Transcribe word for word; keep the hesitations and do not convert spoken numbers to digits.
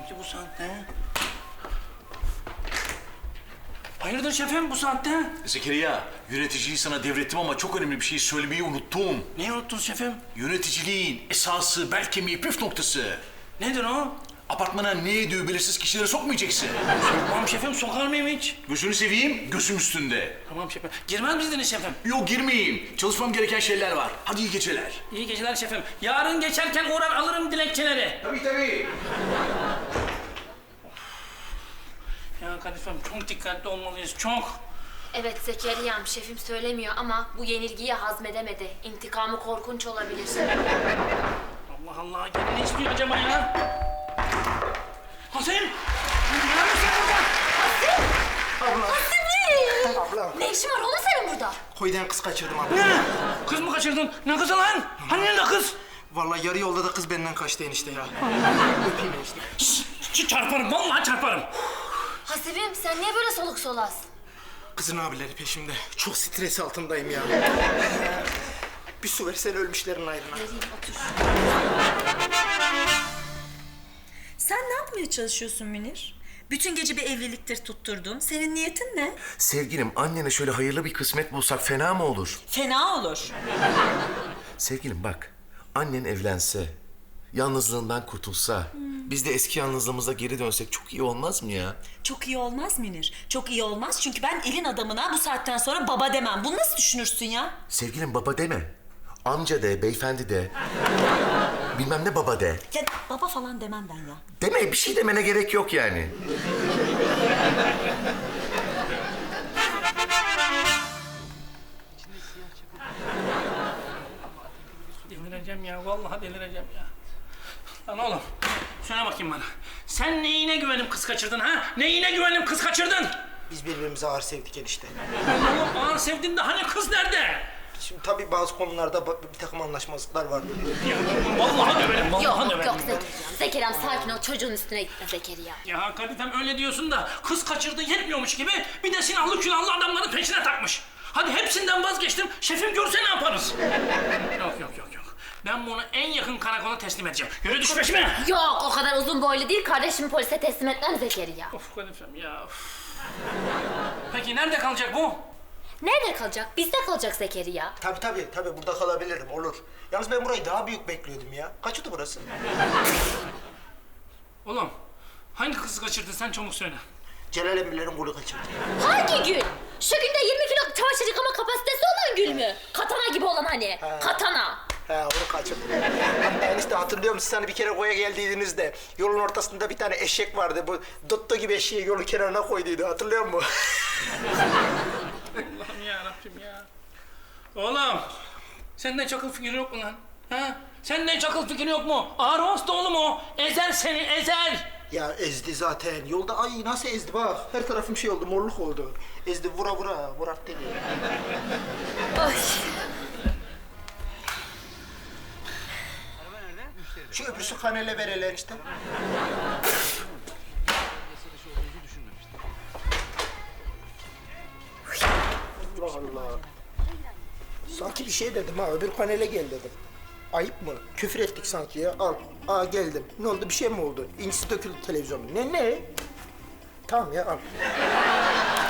ki bu saatte? Hayırdır şefim bu saatte? Zekeriya, yöneticiliği sana devrettim ama çok önemli bir şey söylemeyi unuttum. Neyi unuttunuz şefim? Yöneticiliğin esası, bel kemiği, püf noktası. Nedir o? Apartmana ne yediği belirsiz kişileri sokmayacaksın. Tamam şefim, sokar mıyım hiç? Gözünü seveyim, gözüm üstünde. Tamam şefim. Girmez miydiniz şefim? Yok girmeyeyim. Çalışmam gereken şeyler var. Hadi iyi geceler. İyi geceler şefim. Yarın geçerken uğrar alırım dilekçeleri. Tabii tabii. Ya Kadifem çok dikkatli olmalıyız, çok. Evet Zekeriya'm, şefim söylemiyor ama bu yenilgiyi hazmedemedi. İntikamı korkunç olabilir. Allah Allah, gene ne istiyor acaba ya? Hasim! Ne yapıyorsun burada? Abla. Hasimi! Abla. Ne işin var oğlum senin burada? Koydan kız kaçırdım abla. Ne? Kız mı kaçırdın? Ne kızı lan? Hani nerede kız? Vallahi yarı yolda da kız benden kaçtı enişte ya. Öpeyim enişte. Şşş, çarparım, vallahi çarparım. Hasibim sen niye böyle soluk solaz? Kızın abileri peşimde. Çok stres altındayım ya. Bir su versene ölmüşlerin ayrına. Vereyim otur. Sen ne yapmaya çalışıyorsun Münir? Bütün gece bir evliliktir tutturdun. Senin niyetin ne? Sevgilim, annene şöyle hayırlı bir kısmet bulsak fena mı olur? Fena olur. Sevgilim bak, annen evlense, yalnızlığından kurtulsa, biz de eski yalnızlığımıza geri dönsek çok iyi olmaz mı ya? Çok iyi olmaz Münir. Çok iyi olmaz çünkü ben elin adamına bu saatten sonra baba demem. Bunu nasıl düşünürsün ya? Sevgilim baba deme. Amca de, beyefendi de. Bilmem ne baba de. Ya baba falan demem ben ya. Deme, bir şey demene gerek yok yani. Delireceğim ya, vallahi delireceğim ya. Lan oğlum, söyle bakayım bana. Sen neyine güvenip kız kaçırdın ha? Neyine güvenip kız kaçırdın? Biz birbirimizi ağır sevdik enişte. Oğlum ağır sevdin de hani kız nerede? Şimdi tabii bazı konularda ba- bir takım anlaşmazlıklar vardı. Ya, vallahi döverim, vallahi Yok döverim. yok Zekeriya'm. Zekeriya'm sakin ol, çocuğun üstüne gitme Zekeriya. Ya Kadifem öyle diyorsun da kız kaçırdı yetmiyormuş gibi bir de silahlı külahlı adamların peşine takmış. Hadi hepsinden vazgeçtim, şefim görse ne yaparız? Yok yok yok yok. Ben bunu en yakın karakola teslim edeceğim. Yürü düş peşime. Yok o kadar uzun boylu değil, kardeşimi polise teslim etmem Zekeriya. Of Kadifem ya. Of. Peki nerede kalacak bu? Nerede kalacak? Bizde kalacak Zekeriya. Tabii tabii tabii burada kalabilirim olur. Yalnız ben burayı daha büyük bekliyordum ya. Kaçıydı burası? Oğlum hangi kızı kaçırdın sen çabuk söyle. Celal Emirler'in golü kaçırdı. Hangi gül? Şu günde yirmi kilo çamaşır yıkama kapasitesi olan gül mü? Katana gibi olan hani. Katana. He onu kaçırdım. Hatta enişte hatırlıyor musun? Hani bir kere koya geldiydiniz de yolun ortasında bir tane eşek vardı. Bu Dotto gibi eşeği yolun kenarına koyduydu. Hatırlıyor musun? Allah'ım yarabbim ya. Oğlum senden çakıl fikri yok mu lan? Ha? Senden çakıl fikri yok mu? Ağır hasta oğlum o. Ezer seni ezer. Ya ezdi zaten. Yolda ay nasıl ezdi bak. Her tarafım şey oldu, morluk oldu. Ezdi vura vura, vurat dedi. Ay. Şu öbürsü kanele vereler işte. Allah Allah. Sanki bir şey dedim ha, öbür panele gel dedim. Ayıp mı? Küfür ettik sanki ya. Al. Aa geldim. Ne oldu? Bir şey mi oldu? İncisi döküldü televizyonun. Ne ne? Tamam ya al.